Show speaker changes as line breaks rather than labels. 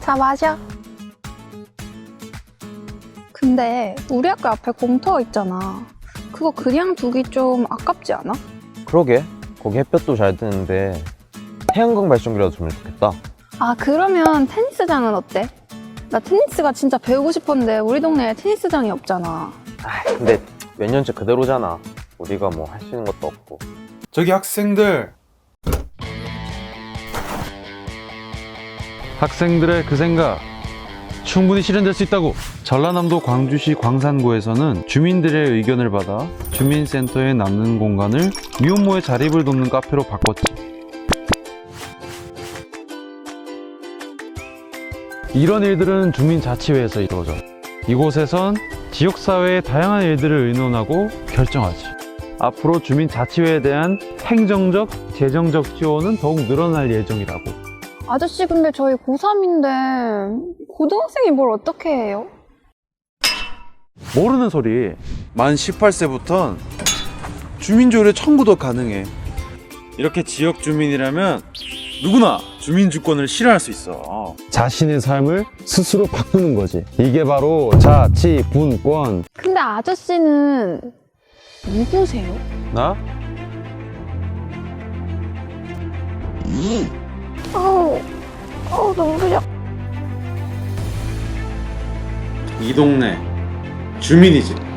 자, 마셔. 근데 우리 학교 앞에 공터 있잖아. 그거 그냥 두기 좀 아깝지 않아?
그러게. 거기 햇볕도 잘 드는데 태양광 발전기라도 주면 좋겠다.
아, 그러면 테니스장은 어때? 나 테니스가 진짜 배우고 싶었는데 우리 동네에 테니스장이 없잖아.
근데 몇 년째 그대로잖아. 우리가 뭐 할 수 있는 것도 없고.
저기 학생들,
학생들의 그 생각 충분히 실현될 수 있다고. 전라남도 광주시 광산구에서는 주민들의 의견을 받아 주민센터에 남는 공간을 미혼모의 자립을 돕는 카페로 바꿨지. 이런 일들은 주민자치회에서 이루어져. 이곳에선 지역사회의 다양한 일들을 의논하고 결정하지. 앞으로 주민자치회에 대한 행정적, 재정적 지원은 더욱 늘어날 예정이라고.
아저씨, 근데 저희 고3인데 고등학생이 뭘 어떻게 해요?
모르는 소리.
만 18세부턴 주민조례 청구도 가능해. 이렇게 지역 주민이라면 누구나 주민주권을 실현할 수 있어.
자신의 삶을 스스로 바꾸는 거지. 이게 바로 자치분권.
근데 아저씨는 누구세요?
나?
눈부셔.
이 동네 주민이지.